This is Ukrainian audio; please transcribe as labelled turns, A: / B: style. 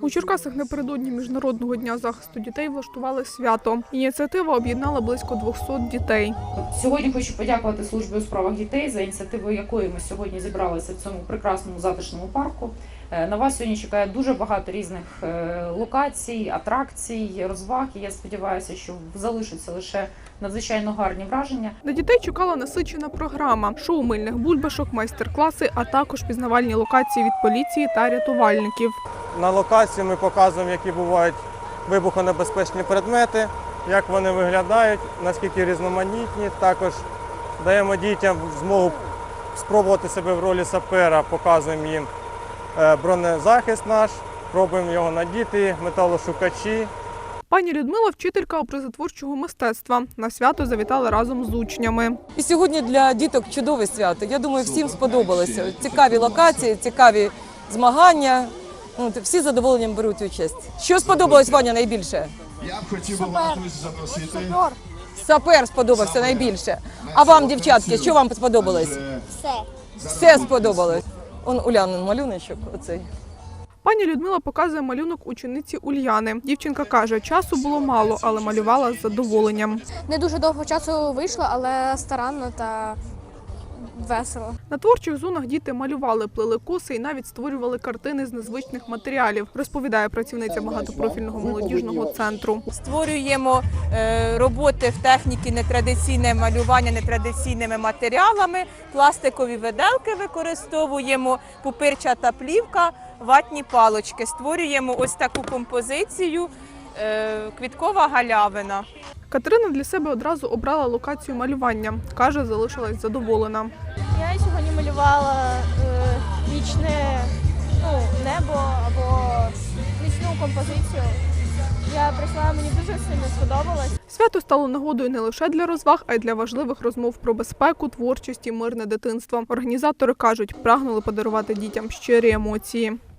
A: У Черкасах напередодні Міжнародного дня захисту дітей влаштували свято. Ініціатива об'єднала близько 200 дітей.
B: Сьогодні хочу подякувати службі у справах дітей за ініціативою, якої ми сьогодні зібралися в цьому прекрасному затишному парку. На вас сьогодні чекає дуже багато різних локацій, атракцій, розваг. І я сподіваюся, що залишаться лише надзвичайно гарні враження.
A: На дітей чекала насичена програма, шоу мильних бульбашок, майстер-класи, а також пізнавальні локації від поліції та рятувальників.
C: На локації ми показуємо, які бувають вибухонебезпечні предмети, як вони виглядають, наскільки різноманітні. Також даємо дітям змогу спробувати себе в ролі сапера, показуємо їм бронезахист наш, пробуємо його надіти, металошукачі.
A: Пані Людмила – вчителька образотворчого мистецтва. На свято завітала разом з учнями.
D: І сьогодні для діток чудове свято. Я думаю, всім сподобалося. Цікаві локації, цікаві змагання. Всі з задоволенням беруть участь. Що сподобалось, Ваня, найбільше?
E: Я б хотів вас запросити.
D: Сапер сподобався найбільше. А вам, дівчатки, що вам сподобалось? Все сподобалось. Он Улянин малюночок оцей.
A: Пані Людмила показує малюнок учениці Ульяни. Дівчинка каже, часу було мало, але малювала з задоволенням.
F: Не дуже довго часу вийшло, але старанно та весело.
A: На творчих зонах діти малювали, плели коси і навіть створювали картини з незвичних матеріалів, розповідає працівниця багатопрофільного молодіжного центру.
G: Створюємо роботи в техніці нетрадиційне малювання нетрадиційними матеріалами, пластикові виделки використовуємо, пупирчата плівка, ватні палочки. Створюємо ось таку композицію «Квіткова галявина».
A: Катерина для себе одразу обрала локацію малювання. Каже, залишилась задоволена.
H: Я сьогодні малювала вічне небо або вічну композицію. Я прийшла, мені дуже сильно сподобалось.
A: Свято стало нагодою не лише для розваг, а й для важливих розмов про безпеку, творчість і мирне дитинство. Організатори кажуть, прагнули подарувати дітям щирі емоції.